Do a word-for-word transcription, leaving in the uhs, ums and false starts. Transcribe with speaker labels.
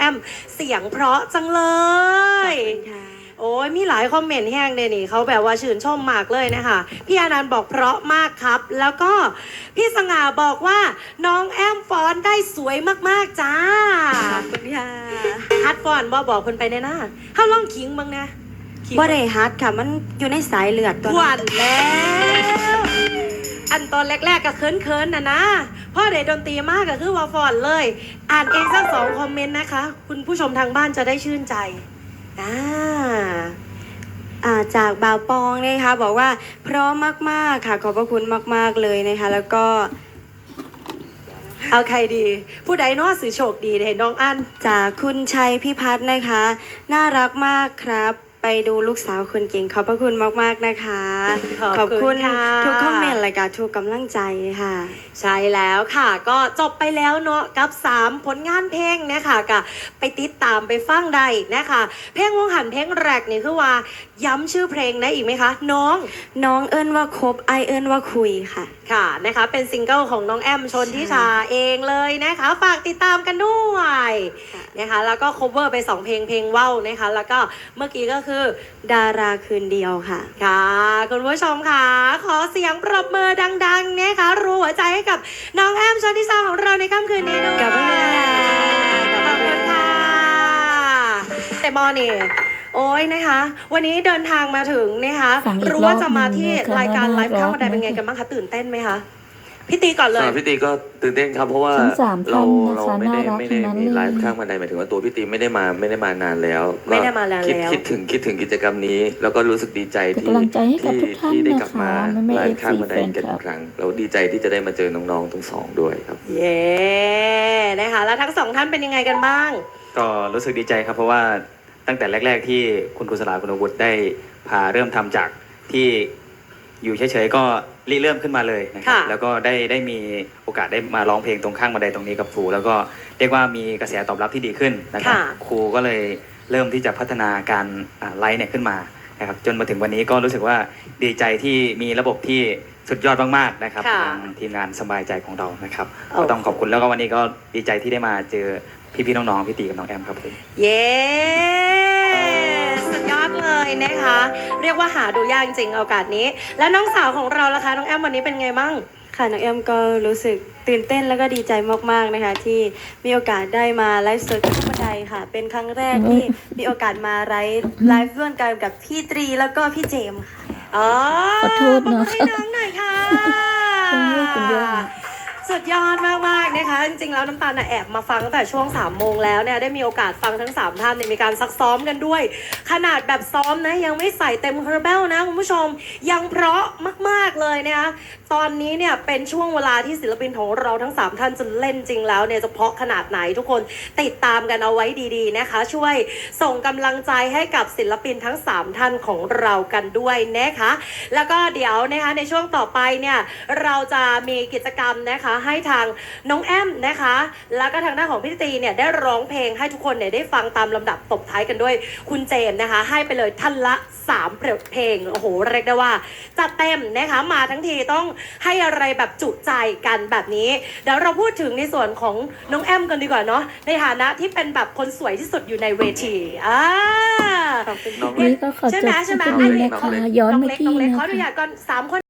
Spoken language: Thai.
Speaker 1: อมเสียงเพราะจังเลยโอ้ยมีหลายคอมเมนต์แห้งเลยนี่เขาแบบว่าชื่นชมมากเลยนะคะพี่อนันต์บอกเพราะมากครับแล้วก็พี่สง่าบอกว่าน้องแอมฟ้อนได้สวยมากๆจ้า
Speaker 2: ขอบคุณค่ะ
Speaker 1: ฮัดฟ้อนบ่บอกคนไปในหน้าเฮาลองขิงบ้างนะ
Speaker 2: บ่ได้ฮัดค่ะมันอยู่ในสายเลือดตัว
Speaker 1: หวานแล้วอันตอนแรกๆก็เคินๆนะนะพ่อเด็ดดนตรีมากก็คือว่าฟอนเลยอ่านเองสักสองคอมเมนต์นะคะคุณผู้ชมทางบ้านจะได้ชื่นใจอ่า
Speaker 2: อ่าจากบ่าวปองนะคะบอกว่าเพราะมากๆค่ะขอบพระคุณมากๆเลยนะคะแล้วก็
Speaker 1: เอาใครดีผู้ใดน้อสื่อโชคดีเห็นน้องอัน
Speaker 2: จากคุณชัยพิพัฒน์นะคะน่ารักมากครับไปดูลูกสาวคนเก่งขอบพระคุณมากๆนะคะ
Speaker 1: ขอบคุณ
Speaker 2: ทุกคอมเมนต์และก็ทุกกำลังใจค่ะ
Speaker 1: ใช่แล้วค่ะก็จบไปแล้วเนาะกับสามผลงานเพลงนะคะก็ไปติดตามไปฟังได้นะคะเพลงวงหันเพลงแรกนี่คือว่าย้ำชื่อเพลงได้อีกไหมคะน้อง
Speaker 2: น้องเอิ้นว่าคบไอเอิ้นว่าคุยค่ะ
Speaker 1: ค่ะนะคะเป็นซิงเกิลของน้องแอมชนทิชาเองเลยนะคะฝากติดตามกันด้วยนะคะแล้วก็ cover ไปสองเพลงเพลงว่าวนะคะแล้วก็เมื่อกี้ก็คือ
Speaker 2: ดาราคืนเดียวค่ะ
Speaker 1: ค่ะคุณผู้ชมค่ะขอเสียงปรบมือดังๆนะคะรัวหัวใจให้กับน้องแอมชนทิชาของเราในค่ำคืนนี้ด้วย
Speaker 2: ขอบคุณค่ะ
Speaker 1: ขอบคุณค่ะแต่มอนี่โอ้ยนะคะวันนี้เดินทางมาถึงนะคะรู้ว่าจะมาที่รายการไลฟ์ข้าวบันไดเป็นไงกันบ้างคะตื่นเต้นไหมคะพี่ตีก่อนเลย
Speaker 3: พี่ตีก็ตื่นเต้นครับเพราะว่าเราเราไม่ได้ไม่ได้มีไลฟ์ข้างบันไดหมายถึงว่าตัวพี่ตีไม่ได้มาไม่ได้มานานแล้ว
Speaker 1: ไม่ได้มาแล้ว
Speaker 3: คิดคิดถึงคิดถึงกิจกรรมนี้แล้วก็รู้สึกดีใจที่ที่ที่ได้กลับมาไลฟ์ข้างบันไดกันอีกครั้งเราดีใจที่จะได้มาเจอน้องๆทั้งสองด้วยครับ
Speaker 1: เย้นะคะแล้วทั้งสองท่านเป็นยังไงกันบ้าง
Speaker 4: ก็รู้สึกดีใจครับเพราะว่าตั้งแต่แรกๆที่คุณครูสลาคุณอาวุธได้พาเริ่มทำจากที่อยู่เฉยๆก็ริเริ่มขึ้นมาเลยนะครับแล้วก็ได้ได้มีโอกาสได้มาร้องเพลงตรงข้างบันไดตรงนี้กับครูแล้วก็เรียกว่ามีกระแสตอบรับที่ดีขึ้นนะครับครูก็เลยเริ่มที่จะพัฒนาการไลฟ์เนี่ยขึ้นมานะครับจนมาถึงวันนี้ก็รู้สึกว่าดีใจที่มีระบบที่สุดยอดมากๆนะครับทางทีมงานสบายใจของเรานะครับก็ต้องขอบคุณแล้วก็วันนี้ก็ดีใจที่ได้มาเจอพี่ๆน้องๆพี่ตีกับน้องแอมครับผม
Speaker 1: เย้สุดยอดเลยนะคะเรียกว่าหาดูยากจริงๆโอกาสนี้แล้วน้องสาวของเราล่ะคะน้องแอมวันนี้เป็นไงบ้าง
Speaker 2: ค่ะน้องแอมก็รู้สึกตื่นเต้นแล้วก็ดีใจมากๆนะคะที่มีโอกาสได้มาไลฟ์สดที่บันไดค่ะเป็นครั้งแรกที่มีโอกาสมาไลฟ์ไลฟ์ร่วมกันกับพี่ตรีแล้วก็พี่เจมค่ะ
Speaker 1: อ๋อ
Speaker 5: ขอโทษนะ
Speaker 1: ให้น้องหน่อยค่ะสุดยอดมากๆนะคะจริงๆแล้วน้ำตาลแอบมาฟังตั้งแต่ช่วงสามโมงแล้วเนี่ยได้มีโอกาสฟังทั้งสามท่านมีการซักซ้อมกันด้วยขนาดแบบซ้อมนะยังไม่ใส่เต็มคาราเบลนะคุณผู้ชมยังเพราะมากๆเลยนะคะตอนนี้เนี่ยเป็นช่วงเวลาที่ศิลปินของเราทั้งสามท่านจะเล่นจริงแล้วเนี่ยจะเพราะขนาดไหนทุกคนติดตามกันเอาไว้ดีๆนะคะช่วยส่งกำลังใจให้กับศิลปินทั้งสามท่านของเรากันด้วยนะคะแล้วก็เดี๋ยวนะคะในช่วงต่อไปเนี่ยเราจะมีกิจกรรมนะคะให้ทางน้องแอมนะคะแล้วก็ทางด้านของพี่ตีเนี่ยได้ร้องเพลงให้ทุกคนเนี่ยได้ฟังตามลำดับตบท้ายกันด้วยคุณเจมนะคะให้ไปเลยท่านละสามเพลงโอ้โหเรียกได้ว่าจัดเต็มนะคะมาทั้งทีต้องให้อะไรแบบจุใจกันแบบนี้เดี๋ยวเราพูดถึงในส่วนของน้องแอมกันดีกว่าเนาะในฐานะที่เป็นแบบคนสวยที่สุดอยู่ในเวทีอ่า
Speaker 5: นี่ก็ขอจบที่นี้นะคะย้อนไปที่
Speaker 1: นะคะขออนุญาตก่อนสามคน